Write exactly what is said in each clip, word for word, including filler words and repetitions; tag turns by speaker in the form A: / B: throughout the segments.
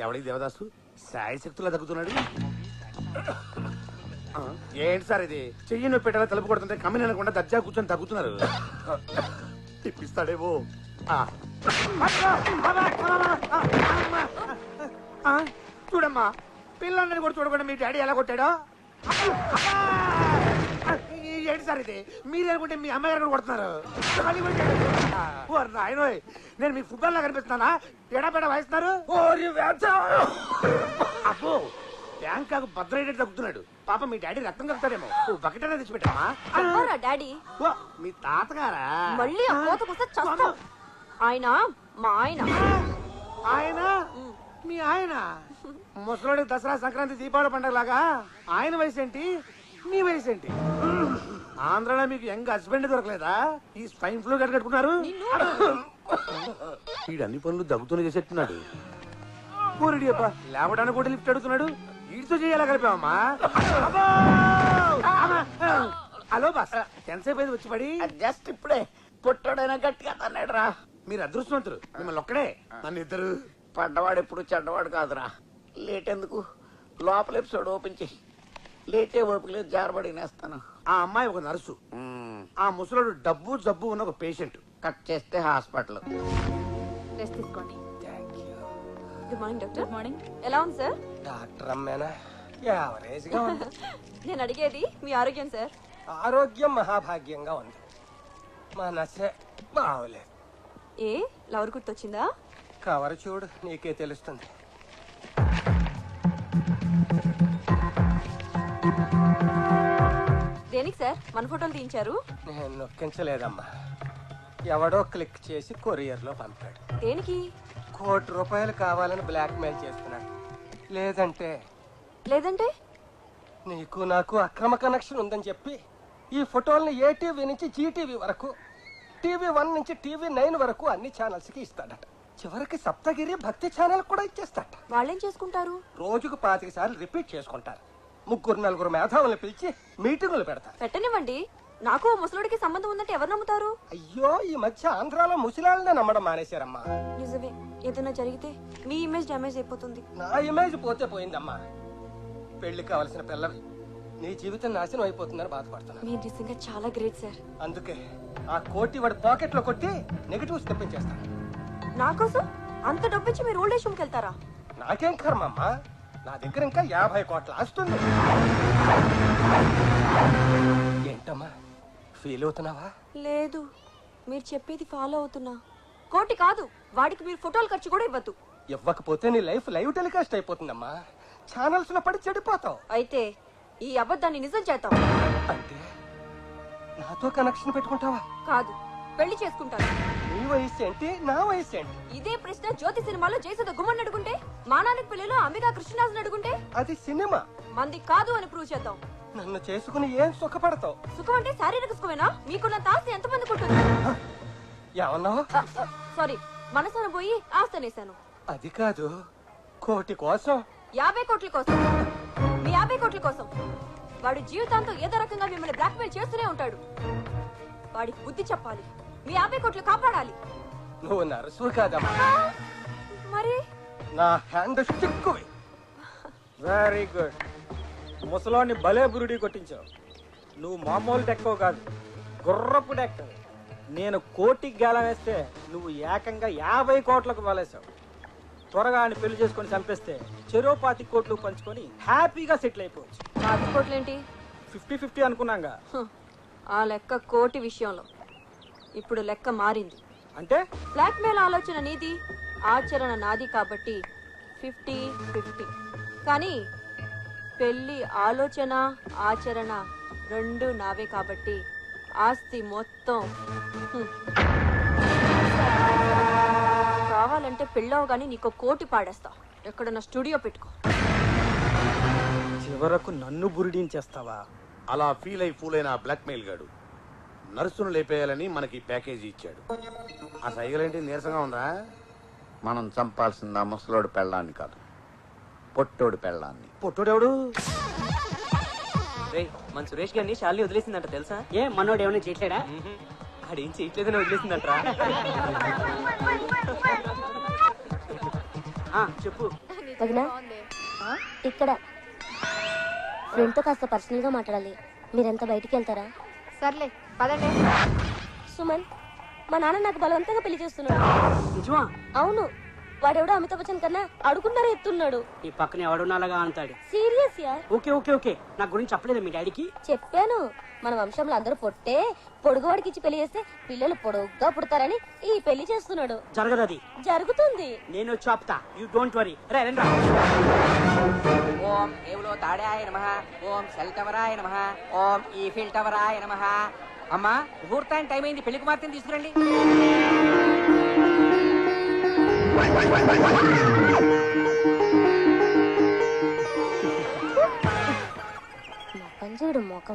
A: ఎవడి దేవదాసు సాయి శక్తులా తగ్గుతున్నాడు. ఏంటి సార్ ఇది? చెయ్యి నొప్పి పెట్టాలా తలుపు కొడుతుంటే కమ్మిని అనకుండా దర్జా కూర్చొని తగ్గుతున్నారు. తిప్పిస్తాడేమో. చూడమ్మా, పిల్లల్ని కూడా చూడకుండా మీ డాడీ ఎలా కొట్టాడో. ఏంటి సార్ ఇది? మీరు అనుకుంటే మీ అమ్మాయి గారు కొడుతున్నారు. నాయనోయ్, నేను మీ ఫుట్బాల్ లా కనిపిస్తున్నానా? ఎడాపెడా వాయిస్తున్నారు. అబ్బో, బ్యాంకాకు భద్రైతే తగ్గుతున్నాడు. పాప మీ డాడీ రక్తం కలుగుతాడేమో. బకెట్ అనేది తెచ్చిపెట్టామా?
B: డాడీ
A: మీ తాతగారా?
B: మళ్ళీ ఆయన మా ఆయన.
A: ఆయన మీ ఆయన? ముసలోడి దసరా సంక్రాంతి దీపావళి పండుగ లాగా ఆయన వయసు ఏంటి, మీ వయసు ఏంటి? ఆంధ్రాలో మీకు యంగ్ హస్బెండ్ దొరకలేదా? ఈ స్పైన్ ఫ్లూ గట్ట కట్టుకున్నారు. వీడు అన్ని పనులు దగ్గుతూనే చేసేట్టున్నాడు. ఊరిడి అబ్బా, లేవడానికి కూడా లిఫ్ట్ అడుగుతున్నాడు. వీడితో చేయాలా కలిపామమ్మా? హలో బాస్, ఎంతసేపు అయింది వచ్చి పడి?
C: జస్ట్ ఇప్పుడే పుట్టాడైనా గట్టిగా తన్నాడు రా.
A: మీరు అదృష్టవంతులు, మిమ్మల్ని ఒక్కడే. నన్ను ఇద్దరు.
C: పడ్డవాడు ఎప్పుడు చెడ్డవాడు కాదురా. లేట్ ఎందుకు, లోపల ఎపిసోడ్ ఓపెన్ చేయి. లేటే ఓపిక లేదు, జారబడి నేస్తాను.
A: ఆ అమ్మాయి ఒక నర్సు, ఆ ముసలోడు డబ్బు జబ్బు ఉన్న ఒక పేషెంట్.
C: కట్ చేస్తే హాస్పిటల్.
B: రెస్ట్ తీసుకోండి. Good morning doctor. Good morning. ఎలా ఉంది సార్?
D: డాక్టర్ అమ్మేనా? యావరేజ్ గా ఉంది.
B: నేను అడిగేది మీ ఆరోగ్యం సార్.
D: ఆరోగ్యం మహాభాగ్యంగా ఉంది. మా నసే బాగోలేదు.
B: ఏ లవర్ గుర్తొచ్చిందా?
D: కవర్ చూడు, నీకే తెలుస్తుంది.
B: దేనికి సార్ మన ఫోటోలు తీయించారు?
D: నేను నొక్కించలేదమ్మా, ఎవడో క్లిక్ చేసి కొరియర్ లో పంపాడు.
B: దేనికి?
D: కోటి రూపాయలు కావాలని బ్లాక్ మెయిల్ చేస్తున్నాడు. లేదంటే
B: లేదంటే
D: నీకు నాకు అక్రమ కనెక్షన్ ఉందని చెప్పి ఈ ఫోటోల్ని ఏ టీవీ నుంచి జీటీవీ వరకు, టీవీ వన్ నుంచి టీవీ నైన్ వరకు అన్ని ఛానల్స్ కి ఇస్తాడట. చివరికి సప్తగిరి భక్తి ఛానల్ కూడా ఇచ్చేస్తాడట.
B: వాళ్ళేం చేసుకుంటారు?
D: రోజుకు పాతిక సార్లు రిపీట్ చేసుకుంటారు. ముగ్గురు నలుగురు మేధావులను పిలిచి మీటింగులు పెడతారు.
B: పెట్టనివ్వండి, నాకు ముసలుడికి సంబంధం ఉందంటే ఎవరు నమ్ముతారు?
D: అయ్యో, ఈ మధ్య ఆంధ్రాలో ముసలాళ్ళనే నమ్మడం మానేశారమ్మా.
B: నిజమే, ఏదైనా జరిగితే మీ ఇమేజ్ డ్యామేజ్ అయిపోతుంది.
D: నా ఇమేజ్ పోతే పోయిందమ్మా. పెళ్లి కావలసిన పిల్లవి నీ జీవితం నాశనం అయిపోతుందని బాధపడుతున్నా.
B: మీరు నిజంగా చాలా గ్రేట్ సార్.
D: అందుకే ఆ కోటి వాడి పాకెట్ లో కొట్టి నెగటివ్స్ తెప్పించేస్తాను.
B: నా కోసం అంత డబ్బిచ్చి మీరు ఓల్డ్ ఏజ్ హోమ్కి వెళ్తారా?
D: నాకేం కర్మమ్మా, నా దగ్గర ఇంకా యాభై కోట్ల ఆస్తుంది. ఏంటమ్మా ఫీల్ అవుతున్నావా?
B: లేదు, మీరు చెప్పేది ఫాలో అవుతున్నా. కోటి కాదు, వాడికి మీరు ఫోటోలు ఖర్చు కూడా ఇవ్వద్దు.
D: ఇవ్వకపోతే నీ లైఫ్ లైవ్ టెలికాస్ట్ అయిపోతుందమ్మా. ఛానల్స్ లో పడి చెడిపోతావు.
B: అయితే ఈ అబద్ధాన్ని నిజం చేద్దాం.
D: అంటే నాతో కనెక్షన్ పెట్టుకుంటావా?
B: కాదు, పెళ్లి చేసుకుంటాను.
D: నీ వయసు ఏంటి, నా వయసు ఏంటి?
B: ఇదే ప్రశ్న జ్యోతి సినిమాలో జయసుధ గుమ్మని అడుగుంటే, మానానికి పెళ్లిలో అంబికా కృష్ణరాజుని అడుగుంటే,
D: అది సినిమా.
B: మంది కాదు అని ప్రూవ్ చేద్దాం.
D: నన్ను చేసుకుని ఏం సుఖపడతావు?
B: సుఖం అంటే శారీరక సుఖమేనా? మీకున్నంత ఆస్తి ఎంతమందికి ఉంటుంది?
D: ఏమన్నావు?
B: సారీ, మనసున పోయి ఆస్తి అనేశాను.
D: అది కాదు, కోటి కోసం.
B: యాభై కోట్ల కోసం. మీ యాభై కోట్ల కోసం వాడు జీవితాంతం ఏదో రకంగా మిమ్మల్ని బ్లాక్మెయిల్ చేస్తూనే ఉంటాడు. వాడికి బుద్ధి చెప్పాలి, మీ యాభై కోట్లు కాపాడాలి.
D: నువ్వు నర్సు కాదమ్మా,
B: మరి
D: నా హ్యాండ్ స్టిక్కువి.
E: Very good. ముసలోని భలే బురుడి కొట్టించావు. నువ్వు మామూలు డెక్కవు కాదు, గుర్రపు డెక్క. నేను కోటికి గేలం వేస్తే నువ్వు ఏకంగా యాభై కోట్లకు వలేసావు. త్వరగా ఆయన పెళ్లి చేసుకొని చంపేస్తే చెరో పాతి కోట్లు పంచుకొని హ్యాపీగా సెటిల్ అయిపోవచ్చు.
B: పాతి కోట్లేంటి?
E: Fifty fifty అనుకున్నాగా.
B: ఆ లెక్క కోటి విషయంలో ఇప్పుడు లెక్క మారింది.
E: అంటే
B: బ్లాక్మెయిల్ ఆలోచన నీది, ఆచరణ నాది, కాబట్టి ఫిఫ్టీ ఫిఫ్టీ. కానీ పెళ్లి ఆలోచన ఆచరణ రెండు నావే, కాబట్టి ఆస్తి మొత్తం. కావాలంటే పెళ్ళవు గానీ నీకు కోటి పాడేస్తా. ఎక్కడన్నా స్టూడియో పెట్టుకో.
E: చివరకు నన్ను బురిడించేస్తావా?
A: అలా ఫీల్ అయి ఫూల్ అయిన బ్లాక్ మెయిల్ గాడు నర్సును లేపేయాలని మనకి ప్యాకేజీ ఇచ్చాడు. ఆ సైగలేంటి నీరసంగా ఉందా?
C: మనం చంపాల్సిందా ముసలోడు పెళ్ళాన్ని కాదు, పొట్టోడు పెళ్ళాన్ని.
A: పొట్టోడెవడు?
F: మన సురేష్ గారిని శాలిని వదిలేసిందంట తెలుసా?
G: ఏ మనోడు ఏమైనా చేయట్లేడా?
F: ఆడేం చేయట్లేదని
G: వదిలేసిందంటరా. చెప్పు. వదినా ఇక్కడ ఫ్రెండ్ తో కాస్త పర్సనల్ గా మాట్లాడాలి. మీరంతా బయటికి వెళ్తారా?
B: సర్లే పదండి.
G: సుమన్, మా నాన్న నాకు బలవంతంగా పెళ్లి చేస్తున్నాడు.
H: నిజమా?
G: అవును, వాడెవడో అమితాబ్ బచ్చన్ కన్నా అడుగున్నారా ఎత్తున్నాడు.
H: ఈ పక్కన ఎవడున్నాలాగా అంటాడు.
G: సీరియస్ యా?
H: ఓకే ఓకే ఓకే నా గురించి చెప్పలేదు మీ డాడీకి?
G: చెప్పాను. మన వంశంలో అందరూ పొట్టే పొడుగువాడికి ఇచ్చి పెళ్లి చేస్తే పిల్లలు పొడుగ్గా పుడతారని ఈ పెళ్లి చేస్తున్నాడు.
H: జరగదు అది.
G: జరుగుతుంది.
H: నేను చెప్తా, యూ డోంట్ వరీ. రే రండి రా.
I: ఓం ఏవులో తాడాయ నమః, ఓం సెల్ టవరాయ నమః, ఓం ఈఫిల్ టవరాయ నమః. అమ్మా ముహూర్తానికి టైం అయింది, పెళ్లి కుమార్తెని తీసుకురండి.
G: పంజుడు మోకం.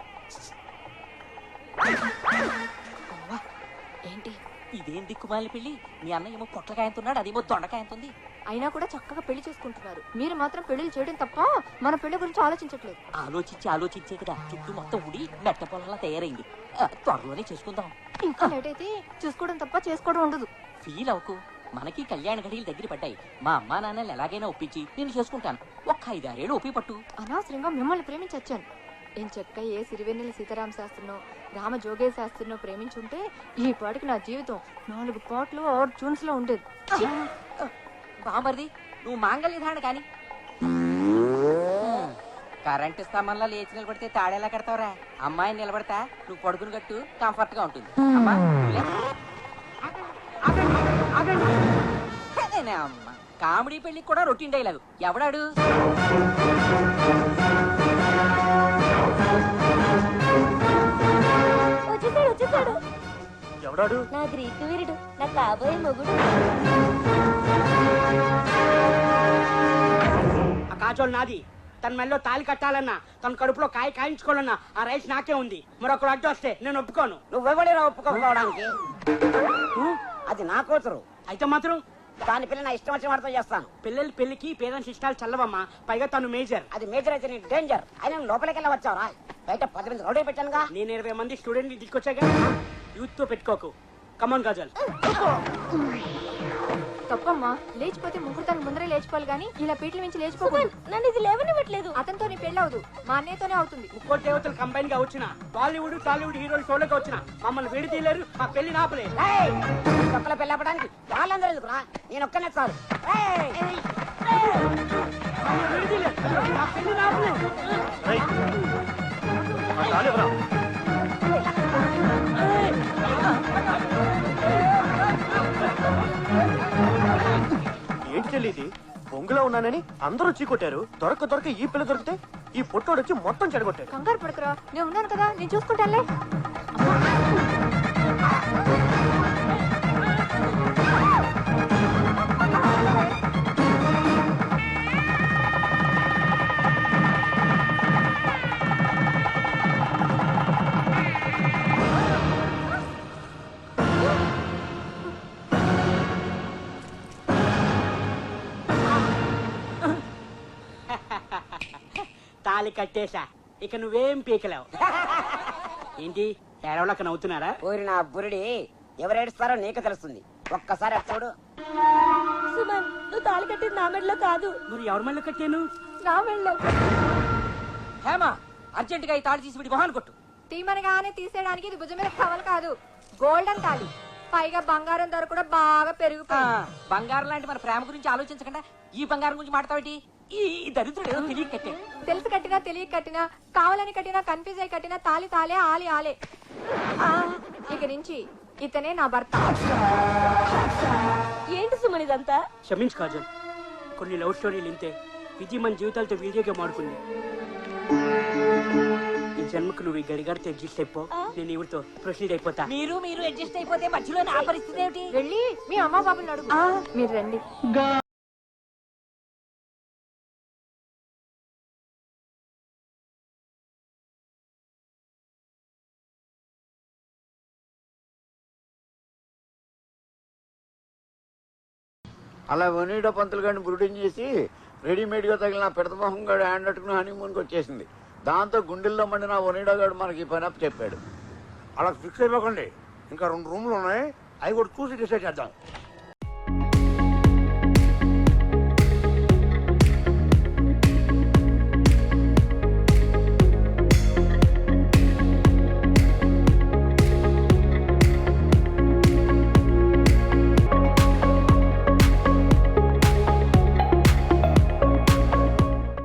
I: ఏంటి ఇదేం దిక్కుమాలి పెళ్లి? మీ అన్న ఏమో పొట్లకాయంతున్నాడు, అదేమో దొండకాయంతుంది.
B: అయినా కూడా చక్కగా పెళ్లి చేసుకుంటున్నారు. మీరు మాత్రం పెళ్లిళ్ళు చేయడం తప్ప మన పెళ్లి గురించి ఆలోచించట్లేదు.
I: ఆలోచించి ఆలోచించే కదా చుట్టూ మొత్తం ఉడి మెట్ట పొలంలా తయారైంది. ఆ, త్వరలోనే చేసుకుందాం.
B: ఇంకా లేట్ అయితే చూసుకోవడం తప్ప చేసుకోవడం ఉండదు.
I: ఫీల్ అవ్వకు, మనకి కళ్యాణ గడియలు దగ్గర పడ్డాయి. మా అమ్మా నాన్నలు ఎలాగైనా ఒప్పించి నేను చేసుకుంటాను. ఒక్క ఐదారేళ్ళు ఒప్పి పట్టు.
B: అనవసరంగా మిమ్మల్ని ప్రేమించొచ్చాను. ఏం చెక్క ఏ సిరివెన్నెల సీతారామ శాస్త్రినో రామ జోగే శాస్త్రినో ప్రేమించుంటే ఈ పాటికి నా జీవితం నాలుగు పాటలు ఆరు ట్యూన్స్ లో ఉండేది.
I: బామర్ది నువ్వు మాంగళ్య ధారణ కాని కరెంటు స్తంభంలో లేచి నిలబడితే తాడేలా కడతావురా? అమ్మాయిని నిలబడతా, నువ్వు పడుకుని కట్టు, కంఫర్ట్ గా ఉంటుంది. అమ్మా అదేనే అమ్మ, కామెడీ పెళ్లికి కూడా రొటీన్ డైలాగు. ఎవడాడు?
G: వచ్చేసాడు వచ్చేసాడు.
A: ఎవడాడు?
G: నా గ్రీకు వీరుడు, నా కాబోయే మొగుడు.
H: ఆ కాజోలు నాది. తన మెల్లో తాలి కట్టాలన్నా, తన కడుపులో కాయ కాయించుకోవాలన్నా ఆ రైస్ నాకే ఉంది. మరొకరు అడ్డు వస్తే నేను ఒప్పుకోను.
I: నువ్వెవడేరా ఒప్పుకోకపోవడానికి? అది నా కూతురు.
H: అయితే మాత్రం
I: దాని పిల్ల నా ఇష్టం వచ్చిన వాడితో చేస్తాను.
H: పిల్లల పెళ్లికి పేరెంట్స్ ఇష్టాలు చల్లవమ్మా. పైగా తను మేజర్.
I: అది మేజర్ అయితే నీ డేంజర్. అయినా లోపలికి వెళ్ళి వచ్చావురా? బయట పది మంది రౌడీ పెట్టానుగా.
H: నేను ఇరవై మంది స్టూడెంట్ ని తీసుకొచ్చాగా. యూత్ తో పెట్టుకోకు. కమాన్ కాజల్.
B: తప్పమ్మా, లేచిపోతే ముహూర్తానికి ముందరే లేచిపోవాలి గానీ ఇలా పీటల నుంచి లేచిపోకూడదు.
G: నన్ను ఇది లేవనివ్వట్లేదు.
B: అతనితో నీ పెళ్లి అవదు, మా అన్నయ్యతోనే అవుతుంది.
H: ముక్కోటి దేవతలు కంబైన్ గా వచ్చిన బాలీవుడ్ టాలీవుడ్ హీరోలు షోలోకి వచ్చిన మమ్మల్ని విడి తీయలేరు, మా పెళ్లి నాపలే.
I: ఒక్కల పెళ్లి అవ్వడానికి వాళ్ళందరూ ఎందుకురా? నేను ఒక్కనే చాలు.
H: విడి తీయలేరు, మా పెళ్లి నాపలే.
A: ఏంటి చెల్లి ఇది? బొంగులో ఉన్నానని అందరూ చీకొట్టారు. దొరక దొరక ఈ పిల్ల దొరికితే ఈ పొట్టోడు వచ్చి మొత్తం చెడగొట్టారు.
B: కంగారు పడుకురా, నేను ఉన్నాను కదా, నేను చూసుకుంటానులే.
H: తాలి కట్టేశా, ఇక నువ్వేం పీకలేవు. ఏంటి ఏడవలక నవ్వుతున్నారా?
I: ఊరిన బురిడి ఎవరేడుస్తారో నీకు తెలుస్తుంది. ఒక్కసారి అటు చూడు.
G: సుమన్, నువ్వు తాళి కట్టింది నా మెడలో కాదు.
H: మరి ఎవరి మళ్ళీ కట్టాను?
B: నా వెళ్ళో
I: హేమా, అర్జెంట్ గా ఈ తాడు తీసి విడి మొహాన్ని కొట్టు.
B: తీమనగానే తీసేయడానికి ఇది భుజం మీద కవలు కాదు, గోల్డెన్ తాళి. పైగా బంగారం ధర కూడా బాగా
I: ఆ,
B: పెరిగిపోయింది.
I: బంగారం లాంటి మన ప్రేమ గురించి ఆలోచించకుండా ఈ బంగారం గురించి మాట్లాడతావేటి? ఈ ఈ దరిద్రుడు ఏదో తెలియక కట్టాడు.
B: తెలిసి కట్టినా తెలియక కట్టినా, కావాలని కట్టినా, కన్ఫ్యూజ్ అయి కట్టినా తాలి తాలే ఆలి ఆలే. ఆ, ఇక నుంచి ఇతనే నా భర్త.
G: ఏంటి సుమన్ ఇదంతా?
H: క్షమించు కాజల్, కొన్ని లవ్ స్టోరీలు ఇంతే. విధి మన జీవితాలతో వీడియో గేమ్ ఆడుకుంది. ఈ జన్మకు నువ్వు ఈ గడిగారితో అడ్జస్ట్ అయిపో, నేను ఇవిడితో ప్రొసీడ్ అయిపోతా.
I: మీరు మీరు అడ్జస్ట్ అయిపోతే మధ్యలో నా పరిస్థితి ఏమిటి?
B: వెళ్ళి మీ అమ్మ బాబుని అడుగు. మీరు రండి.
C: అలా వనీడో పంతులు గారిని బ్రూటింగ్ చేసి రెడీమేడ్గా తగిలిన పెడతమోహం గారు హ్యాండ్ అట్టుకుని హనీమూన్కి వచ్చేసింది. దాంతో గుండెల్లో మండిన వనీడో గారు మనకి ఈ పని అప్పు చెప్పాడు.
A: అలా ఫిక్స్ అయిపోకండి, ఇంకా రెండు రూమ్లు ఉన్నాయి, అవి కూడా చూసి డిసైడ్ చేద్దాం.